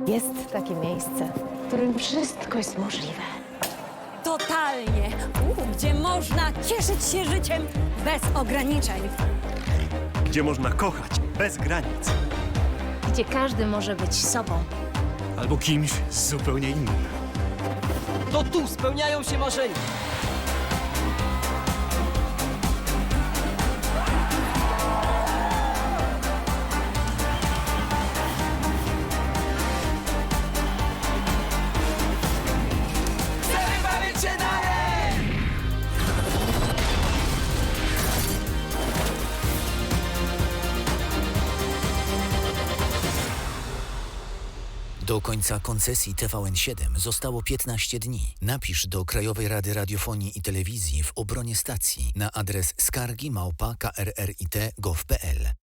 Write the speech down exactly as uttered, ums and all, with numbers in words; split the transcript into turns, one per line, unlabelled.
Jest takie miejsce, w którym wszystko jest możliwe.
Totalnie. U, gdzie można cieszyć się życiem bez ograniczeń.
Gdzie można kochać bez granic.
Gdzie każdy może być sobą.
Albo kimś zupełnie innym.
To tu spełniają się marzenia. Chcemy bawić się dalej!
Do końca koncesji T V N siedem zostało piętnaście dni. Napisz do Krajowej Rady Radiofonii i Telewizji w obronie stacji na adres skargi małpa k r r i t kropka gov kropka p l.